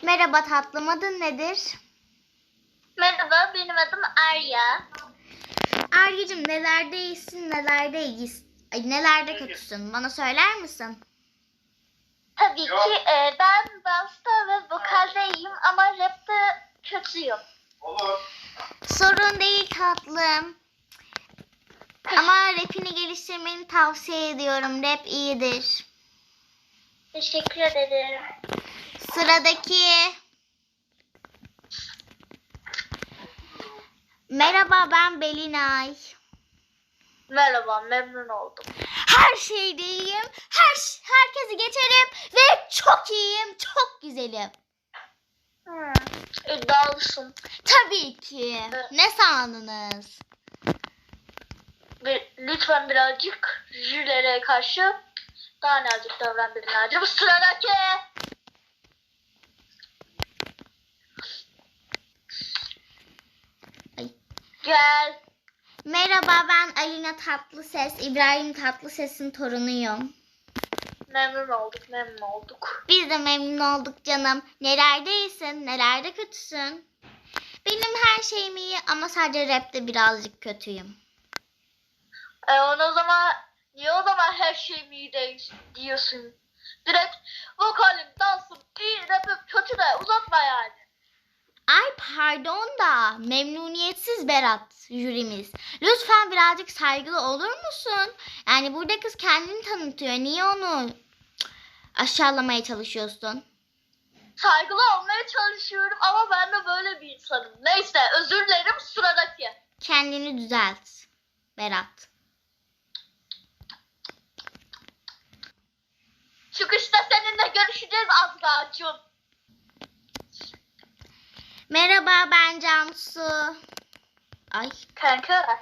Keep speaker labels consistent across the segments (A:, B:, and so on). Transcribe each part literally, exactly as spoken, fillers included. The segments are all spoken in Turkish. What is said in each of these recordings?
A: Merhaba tatlım, adın nedir?
B: Merhaba, benim adım Arya.
A: Arya'cığım, nelerde iyisin, nelerde iyisin, ay, nelerde kötüsün? Bana söyler misin?
B: Tabii ki e, ben dansta ve vokalde iyiyim ama rapte kötüyüm.
A: Sorun değil tatlım. Ama rapini geliştirmeni tavsiye ediyorum. Rap iyidir.
B: Teşekkür ederim.
A: Sıradaki. Merhaba, ben Belinay.
B: Merhaba, memnun oldum.
A: Her şeyde iyiyim. Her herkesi geçerim ve çok iyiyim, çok güzelim.
B: Hmm, iddialısın.
A: Tabii ki. Ne sandınız?
B: Bir, lütfen birazcık jürilere karşı daha nazik davran Belinay'cığım. Sıradaki.
A: Ay.
B: Gel.
A: Merhaba, ben Alina Tatlıses, İbrahim Tatlıses'in torunuyum.
B: Memnun olduk, memnun olduk.
A: Biz de memnun olduk canım. Nelerde iyisin, nelerde kötüsün? Benim her şeyim iyi ama sadece rapte birazcık kötüyüm.
B: E onu o zaman, niye o zaman her şeyim iyi değil diyorsun? Direkt vokalim, dansım iyi, rapim kötü de uzatma yani.
A: Ay pardon da memnuniyetsiz Berat jürimiz. Lütfen birazcık saygılı olur musun? Yani burada kız kendini tanıtıyor. Niye onu aşağılamaya çalışıyorsun?
B: Saygılı olmaya çalışıyorum ama ben de böyle bir insanım. Neyse, özür dilerim, sıradaki.
A: Kendini düzelt Berat.
B: Çıkışta seninle görüşeceğiz Azra'cığım.
A: Merhaba, ben Cansu. Ay.
B: Kanka.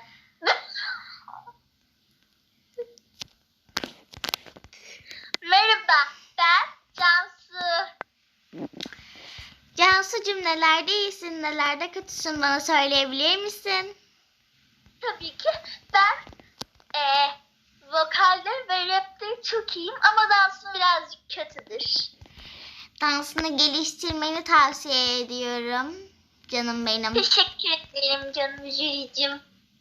B: Merhaba, ben Cansu.
A: Cansu'cum, nelerde iyisin, nelerde kötüsün, bana söyleyebilir misin?
B: Tabii ki ben e, vokalde ve rapte çok iyiyim ama dansım birazcık kötüdür.
A: Dansını geliştirmeni tavsiye ediyorum. Canım benim.
B: Teşekkür ederim canım jüricim.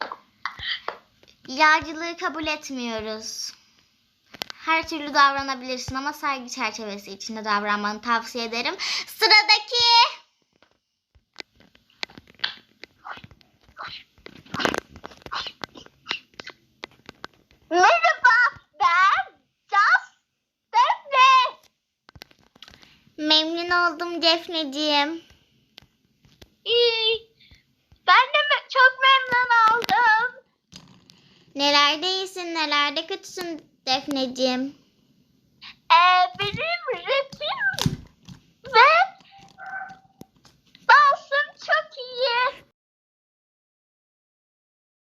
A: Yağcılığı kabul etmiyoruz. Her türlü davranabilirsin ama saygı çerçevesi içinde davranmanı tavsiye ederim. Sıradaki.
B: Merhaba, ben Caz Defne.
A: Memnun oldum Defneciğim.
B: İyi. Ben de me- çok memnun oldum.
A: Nelerde iyisin, nelerde kötüsün Defneciğim?
B: Ee, benim